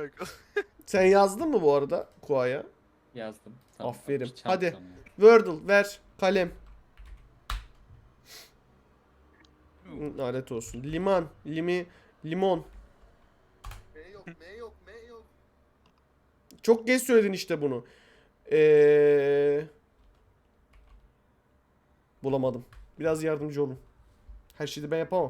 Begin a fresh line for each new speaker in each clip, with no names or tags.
Sen yazdın mı bu arada Kua'ya?
Yazdım.
Aferin.
Çant
Hadi.
sana.
Wordle ver. Kalem. Lanet olsun. Liman. Limon.
M yok, M yok, M yok.
Çok geç söyledin işte bunu. Bulamadım. Biraz yardımcı olun. Her şeyi de ben yapamam.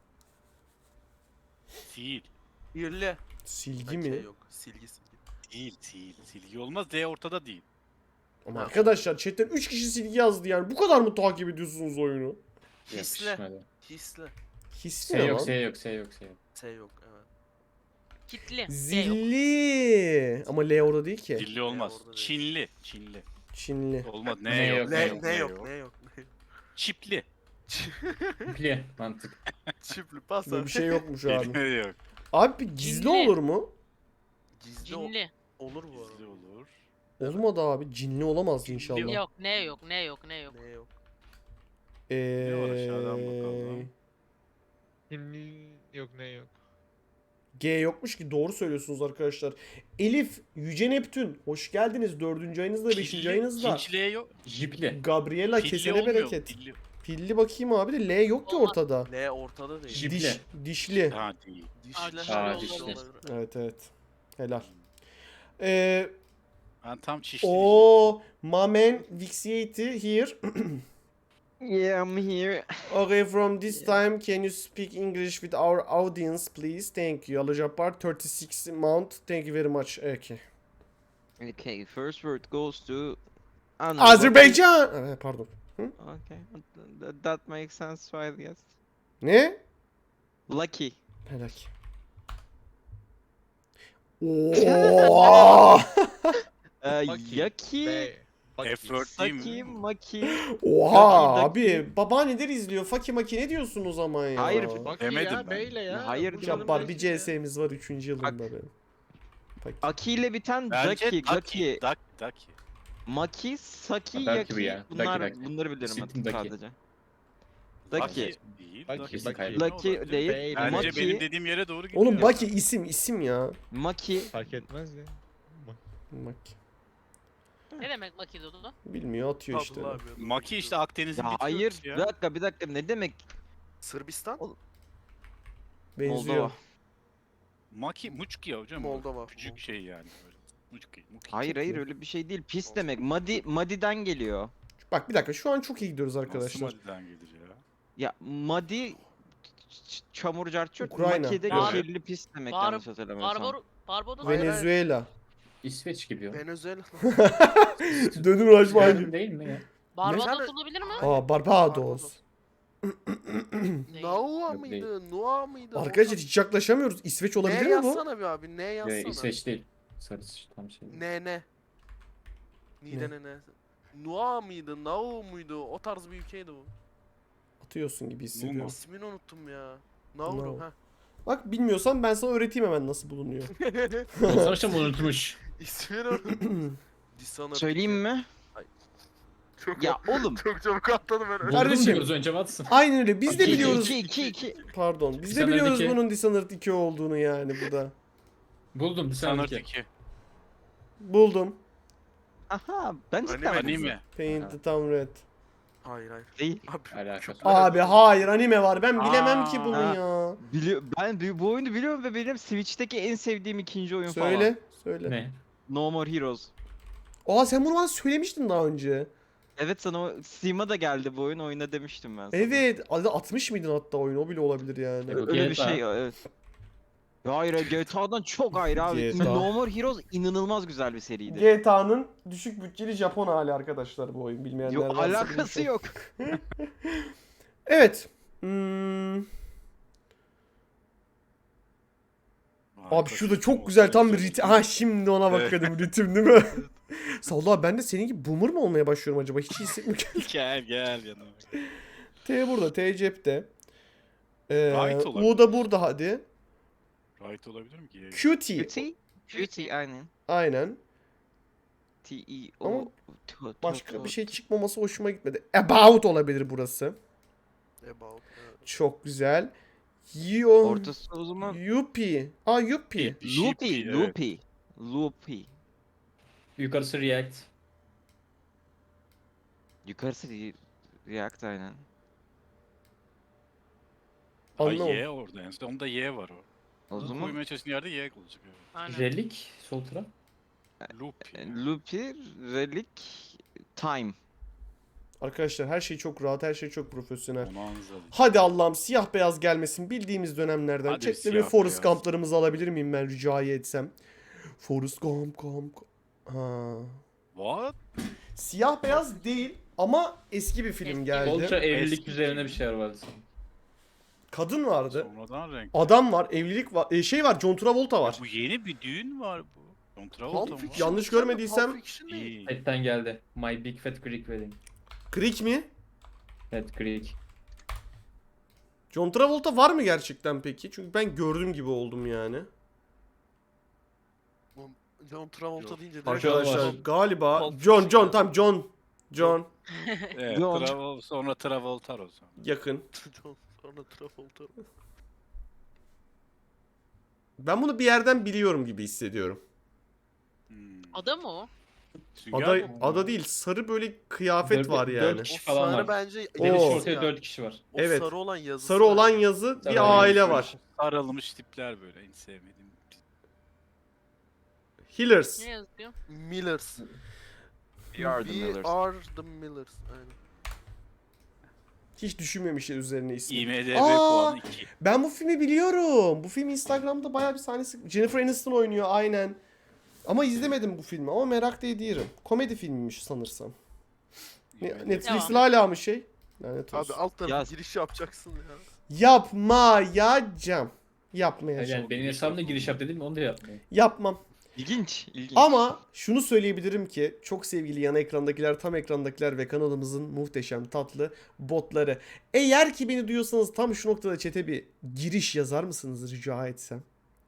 Sil.
Birli.
Silgi mi?
Yok. Silgi.
Sil. Silgi olmaz. D ortada değil.
Ama arkadaşlar chatten 3 kişi silgi yazdı yani. Bu kadar mı takip ediyorsunuz oyunu?
Hisle.
Yapışmadı.
Hisle.
Hissi
S
ne
yok,
lan?
S yok, S yok, S yok.
S yok, evet.
Kitli. D yok.
Zilli. Ama L orada değil ki.
Dilli olmaz.
orada değil.
Çinli. Çinli.
Çinli.
Olmaz.
Ne
Ne yok.
yok,
Ne
ne
yok, ne yok, ne yok.
Çipli.
Pli, mantık.
Çiftli pas
Böyle bir şey yokmuş abi.
Ne yok.
Abi bir gizli
Cinli.
olur mu?
Gizli
Cinli.
olur bu
Gizli
arada.
olur.
Olmadı abi. Cinli olamaz
Cinli
inşallah.
Yok. Ne yok. Ne yok. Ne yok.
Ne yok.
Ne var aşağıdan bakalım.
Yok ne yok.
G yokmuş ki, doğru söylüyorsunuz arkadaşlar. Elif, Yüce Neptün. Hoş geldiniz. 4. ayınızda, 5. ayınızda.
Hiç L yok.
Jipli.
Gabriela
Pilli
kesene
olmuyor mu?
bereket.
Pilli.
Pilli bakayım abi de L yok ki
Olmaz.
ortada.
L ortada değil.
Jip.
Dişli.
Ha değil.
Dişli.
Aa,
dişli.
olabilir.
Evet evet. Helal.
Ben tam çişli.
O Mamen Vixiati here.
Yeah, I'm here.
Okay, from this time can you speak English with our audience please? Thank you. Alajapar 36 mount. Thank you very much. Okay.
Okay, first word goes to... Anna.
Azerbaycan. Pardon.
Okay, that makes sense, I guess.
Ne?
Lucky.
Helal. Oo!
Yucky.
F4 değil
Saki,
mi?
Maki.
Oha
Lucky.
abi, babaanneler izliyor. Fakimaki ne diyorsun o zaman ya?
Hayır,
Demedim ben.
Beyle ya.
Hayır
Bu
canım,
Cabbar bir
belki ya.
CS'miz var 3. yılında benim. Faki.
Aki ile biten
Bence
Ducky, Lucky.
Ducky.
Maki, Saki,
Ducky bu
Yucky.
ya.
Bunları bilirim
Kesin
ben
Ducky.
sadece.
Ducky
Ducky.
değil.
Ducky,
Ducky
Lucky
olabilir.
değil.
Beyle.
Bence
Maki.
benim dediğim yere doğru gidiyor.
Oğlum Baki isim ya.
Maki.
Fark etmez ya.
Baki.
Ne demek Makidodu?
Bilmiyor, atıyor işte.
Abdullah abi.
Maki işte Akdeniz'in
Ya
bir
hayır,
türküsü ya.
bir dakika ne demek?
Sırbistan.
Benziyor.
Moldova.
Maki Muçki ya hocam.
Moldova.
Küçük şey yani böyle. Muçki.
Hayır öyle bir şey değil. Pis demek. Madi'den geliyor.
Bak bir dakika, şu an çok iyi gidiyoruz arkadaşlar.
Somali'den gelir ya.
Ya Madi çamur carçurt.
Ukrayna.
Maki de
Evet.
kirli pis demek yanlış hatırlamıyorsam.
Barbaros.
Hayır,
Venezuela.
İsveç gibi o.
Venezuela.
Dönüm uğraşma.
Yardım değil mi ya?
Barbados olabilir mi?
Aa, Barbados.
Naua
Yok,
mıydı? Nua mıydı?
Arkadaşlar hiç yaklaşamıyoruz. İsveç olabilir
Ne
mi bu?
yazsana bir abi. Ne yazsana.
İsveç değil. Sarı tam şey.
Ne. Nide ne. Nua mıydı? Nau muydu? O tarz bir ülkeydi bu.
Atıyorsun gibi hissediyorum.
İsmini unuttum ya. Nauru
Nauru.
ha.
Bak bilmiyorsan ben sana öğreteyim hemen nasıl bulunuyor.
Sonuçta unutmuş.
İsmini unuttum. Dishonored.
Söyleyeyim mi?
Çok,
Ya oğlum.
çok çabuk atladım ben.
Buldum
Kardeşim.
diyoruz önce Watson.
Aynen öyle. Biz de
İki,
biliyoruz.
2.
Pardon. Biz de
Dishonored
biliyoruz
2.
bunun Dishonored 2 olduğunu yani bu da.
Buldum bir
Sanır
sonraki.
2.
Buldum.
Aha ben cidden
Anime.
Paint the Town Red.
Hayır.
değil.
Abi.
Alakası.
Abi hayır, anime var. Ben bilemem ki bunu
Aa.
ya.
Ben bu oyunu biliyorum ve benim Switch'teki en sevdiğim ikinci oyun falan.
Söyle.
Ne?
No More Heroes.
Aa, sen bunu bana söylemiştin daha önce.
Evet sana Steam'a da geldi bu oyun oyna demiştim ben sana.
Evet. Adı 60 mıydın hatta oyun? O bile olabilir yani.
Evet.
Öyle bir
GTA.
şey evet. Ya hayır GTA'dan çok ayrı abi.
GTA.
No More Heroes inanılmaz güzel bir seriydi.
GTA'nın düşük bütçeli Japon hali arkadaşlar bu oyun. Bilmeyenler
Yok
varsa
alakası
bilmiş
yok.
Evet. Abi şurada çok güzel tam bir ritim. Ha, şimdi ona bakıyordum, ritim değil mi? Salla, ben de senin gibi boomer mı olmaya başlıyorum acaba? Hiç iyi hissetmiyorum.
Gel yanıma.
T burada, T cepte.
Right olabilir.
U da burada hadi.
Right olabilir mi ki?
Cutie.
Cutie aynen.
Aynen.
T-E-O.
Başka bir şey çıkmaması hoşuma gitmedi. About olabilir burası.
About. Evet.
Çok güzel. Yo.
Ortası o zaman
Yuppie. Aa yuppie.
loopy,
evet.
loopy. Loopy.
Yukarısı react.
Yukarısı React aynen.
Ay
Anlamadım.
Y orada en son. Onda Y var o.
O
Bunu
zaman
koymaya çalıştığın yerde Y olacak. Evet.
Aynen.
Relik sol taraf.
Loop.
loopy, relic, time.
Arkadaşlar her şey çok rahat, her şey çok profesyonel.
Bonanza.
Hadi Allah'ım siyah beyaz gelmesin bildiğimiz dönemlerden.
Hadi
Chat'te bir
siyah
Forrest
beyaz.
Gump'larımızı alabilir miyim ben rica etsem? Forrest Gump. Ha.
What?
Siyah beyaz değil ama eski bir film
Eski.
geldi.
Ultra evlilik
Eski
üzerine bir
film.
şeyler vardı sanırım.
Kadın vardı.
Sonradan renk.
Adam var, evlilik var. Şey var, John Travolta var.
Bu yeni bir düğün var bu. John Travolta
Pulp
mı?
Fiction
Yanlış
canım,
görmediysem-
Pulp Fiction değil.
İyi.
Setten geldi. My Big Fat Greek Wedding.
Creek mi?
Fat Greek.
John Travolta var mı gerçekten peki? Çünkü ben gördüm gibi oldum yani.
John Travolta
Yok.
deyince direkt
Arkadaşlar
var.
galiba
Pulp
John
Fiction
tam John
Evet,
John.
sonra Travolta o zaman.
yakın.
Sonra Travolta.
Ben bunu bir yerden biliyorum gibi hissediyorum.
Hmm.
Ada mı o?
Sünger Bob mu?
Ada değil, sarı böyle kıyafet
Dört-
var
dört
yani.
kişi
O
falan
sarı
var.
bence
Oo.
Deniz
yazısı
ortaya
ya.
4 kişi var.
O
Evet.
sarı olan yazısı.
Sarı olan
bence.
yazı
Sarı
bir
olan
aile
yazı.
var.
Sarılmış tipler böyle en sevmediğim.
Healers.
Ne yazıyor?
Millers.
We are the
We
Millers.
are the Millers. Aynen.
Hiç düşünmemişler üzerine ismi.
IMDb
Aa!
puanı 2.
Ben bu filmi biliyorum. Bu film Instagram'da bayağı bir sahnesi. Jennifer Aniston oynuyor aynen. Ama izlemedim bu filmi ama merak da ediyorum. Komedi filmiymiş sanırsam. Netflix'te hala mı şey? Lanet
Abi
olsun.
alt tarafa
Yaz.
giriş yapacaksın ya.
Yapmayacağım. Yapmayacağım.
Yani benim hesabımda giriş yap dedim onu da yapmıyor.
Yapmam.
İlginç, ilginç.
Ama şunu söyleyebilirim ki çok sevgili yan ekrandakiler, tam ekrandakiler ve kanalımızın muhteşem tatlı botları. Eğer ki beni duyuyorsanız tam şu noktada chat'e bir giriş yazar mısınız rica etsem?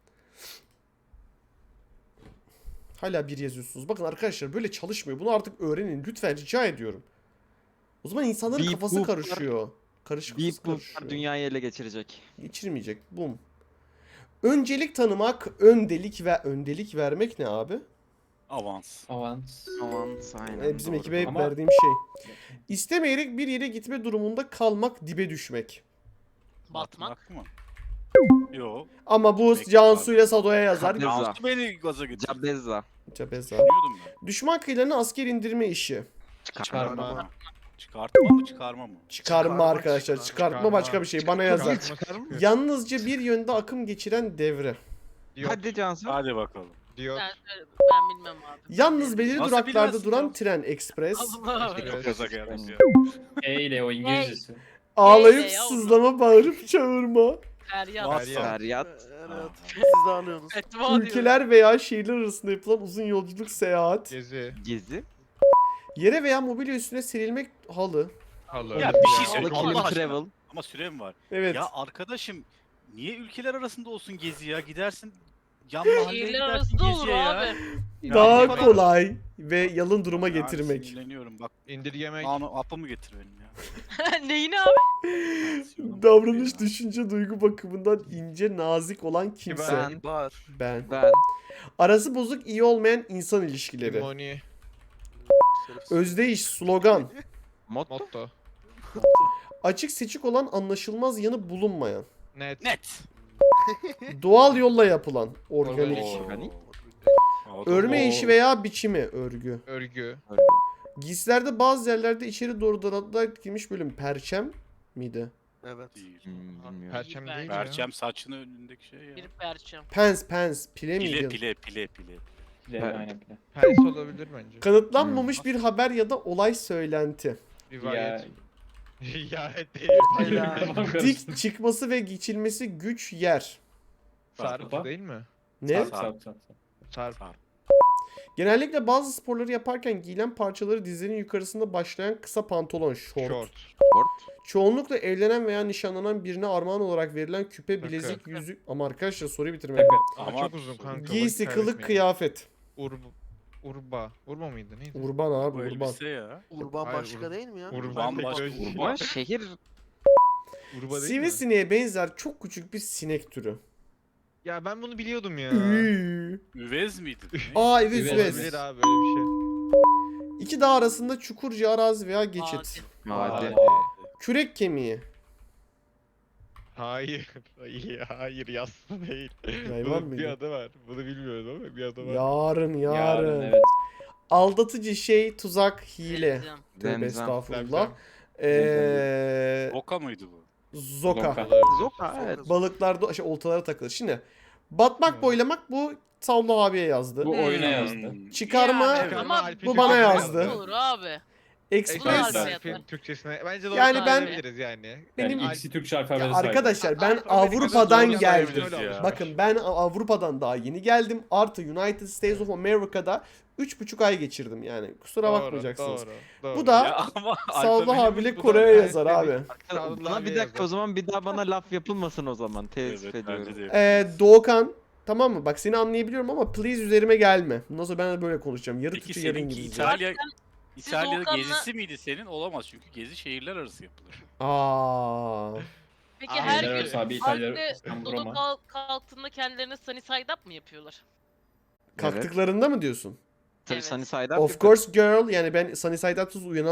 Hala bir yazıyorsunuz. Bakın arkadaşlar böyle çalışmıyor. Bunu artık öğrenin. Lütfen rica ediyorum. O zaman insanların
Beep
kafası
boop'lar-
karışıyor. Karışık
Deep
karışıyor.
Boop dünyayı ele geçirecek.
Geçirmeyecek. Bum. Öncelik tanımak, öndelik vermek ne abi?
Avans.
Avans.
Aman aynen.
Bizim
doğru,
ekibe hep
Ama-
verdiğim şey. İstemeyerek bir yere gitme durumunda kalmak, dibe düşmek.
Batmak.
mı? Yok.
Ama bu
Peki,
Cansu ile Sado'ya yazar.
Kabeza.
Cansu beni gaza getirdi.
Cabeza.
Cabeza.
Düşünüyordum ben.
Düşman kıyılarına asker indirme işi.
Çıkarma.
Çıkartma mı çıkarma mı?
Çıkarma
Çıkarma,
arkadaşlar. Çıkartma başka bir şey. Bana yazar. Yalnızca bir yönde akım geçiren devre.
Hadi Cansu.
Hadi bakalım.
Diyor.
Ben bilmem abi.
Yalnız belirli
Nasıl
duraklarda
bilmezsin
duran
canım?
tren ekspres.
Allah.
Çok gaza gelmiş ya.
E ile o İngilizcesi.
Ağlayıp
Neyle yavrum?
sızlama, bağırıp çağırma.
Feryat.
WhatsApp.
Feryat.
Evet. Siz de anlıyorsunuz.
Fetva diyor.
Ülkeler veya şehirler arasında yapılan uzun yolculuk, seyahat.
Gezi.
Gezi.
Yere veya mobilya üstüne serilmek, halı.
Halı.
Ya bir şey
Halı
söyle
kilim
Allah aşkına.
travel.
Ama sürem var.
Evet.
Ya arkadaşım niye ülkeler arasında olsun gezi ya? Gidersin yan mahalleye
Şehirler
gidersin
arasında olur
geziye ya.
abi.
Daha
Yani-
kolay ve yalın duruma
Yani
getirmek.
sinirleniyorum bak.
İndirgemek.
Apımı getir benim ya.
Neyini abi?
Tansiyonum
Davranış,
ya.
düşünce, duygu bakımından ince, nazik olan kimse.
Ben.
Bar.
Ben.
Ben.
Arası bozuk, iyi olmayan insan ilişkileri.
Moni.
Özdeyiş, slogan.
Motto.
Motto.
Açık seçik olan, anlaşılmaz yanı bulunmayan.
Net.
Net.
Doğal yolla yapılan, organik.
Organik.
Organik.
O da-
Örme işi veya biçimi, örgü.
Örgü.
Giysilerde bazı yerlerde içeri doğru daraltıda etkilmiş bölüm. Perçem miydi?
Evet.
Değil.
Bilmiyorum.
Perçem değil mi ya?
Perçem saçının önündeki şey ya.
Bir perçem.
Pens, pile miydi?
Pile.
Pile,
Evet.
aynen pile.
Pens olabilir bence.
Kanıtlanmamış bir haber ya da olay söylenti.
Rivayet. Ya değil.
Helal.
Dik çıkması ve geçilmesi güç yer.
Sarp değil mi?
Ne?
Sarp.
Sarp.
Genellikle bazı sporları yaparken giyilen parçaları dizlerinin yukarısında başlayan kısa pantolon, şort.
Short.
Sport.
Çoğunlukla evlenen veya nişanlanan birine armağan olarak verilen küpe,
Takı.
bilezik, yüzük. Ama arkadaşlar soruyu bitirmek.
Takı.
Ama
Ama
çok uzun kanka.
Giysi,
vakit
kılık,
kaybetmeyelim.
kıyafet.
Urba. Urba mıydı? Neydi?
Urban abi,
bu
urban.
elbise ya.
Urban
Hayır,
başka değil mi ya?
Urban
Bambaşka
teknoloji.
urban.
Ama şehir
Urba değil mi?
Sivrisineğe benzer çok küçük bir sinek türü.
Ya ben bunu biliyordum ya.
Üvez miydi?
Aa evet
Üvez.
evet.
Olabilir abi böyle bir şey.
İki dağ arasında çukurca arazi veya geçit.
Hadi.
Kürek kemiği.
Hayır. Hayır yassı değil.
Hayvan
Bunun
mıydı?
bir adı var. Bunu bilmiyorum ama bir adı var.
Yarın.
Yarın evet.
Aldatıcı şey, tuzak, hile.
Zemzem.
Tövbe
Zemzem.
estağfurullah.
Boka mıydı bu?
Zoka.
Zoka.
Zoka evet.
Balıklar oltalara takılır. Şimdi batmak boylamak bu Savlo abiye yazdı.
Bu oyuna yazdı.
Çıkarma
Yani,
Evet.
ama
Alp'in
bu bana
Türkçesine
yazdı.
olur abi.
Express.
Express.
Alp'in Türkçesine. Bence doğru
Yani ben-
söyleyebiliriz yani.
Benim-
Yani ikisi Türkçe
Ya
alfabede sahip.
arkadaşlar ben
Amerika'da
Avrupa'dan
doğru
geldim.
söyleyebiliriz ya.
Bakın ben Avrupa'dan daha yeni geldim. Artı United States of America'da 3,5 ay geçirdim yani. Kusura bakmayacaksınız.
Doğru.
Bu da
Ya ama
Savlo
alfabemiz
abiyle
bu da-
Kore'ye yazar abi.
Bana bir dakika o zaman bir daha bana laf yapılmasın o zaman. Teessüf
Evet,
ediyorum.
bence de.
Doğukan tamam mı? Bak seni anlayabiliyorum ama please üzerime gelme. Bundan sonra ben de böyle konuşacağım. Yarı
Peki
Türkçe yarı
seninki
İngilizce.
İtalya'da
Volkan'la-
gezisi miydi senin? Olamaz çünkü gezi şehirler arası yapılır.
Aa.
Peki
Aynen
her
İtalya
gün
arası abi, İtalya,
Alp'te
İstanbul,
Dodo
Roma.
kalktığında kendilerine sunny side up mı yapıyorlar?
Kalktıklarında mı diyorsun?
Tabii
Evet.
Sunny Side Up
Of course girl. Yani ben Sunny Side Up'sız uyanamam.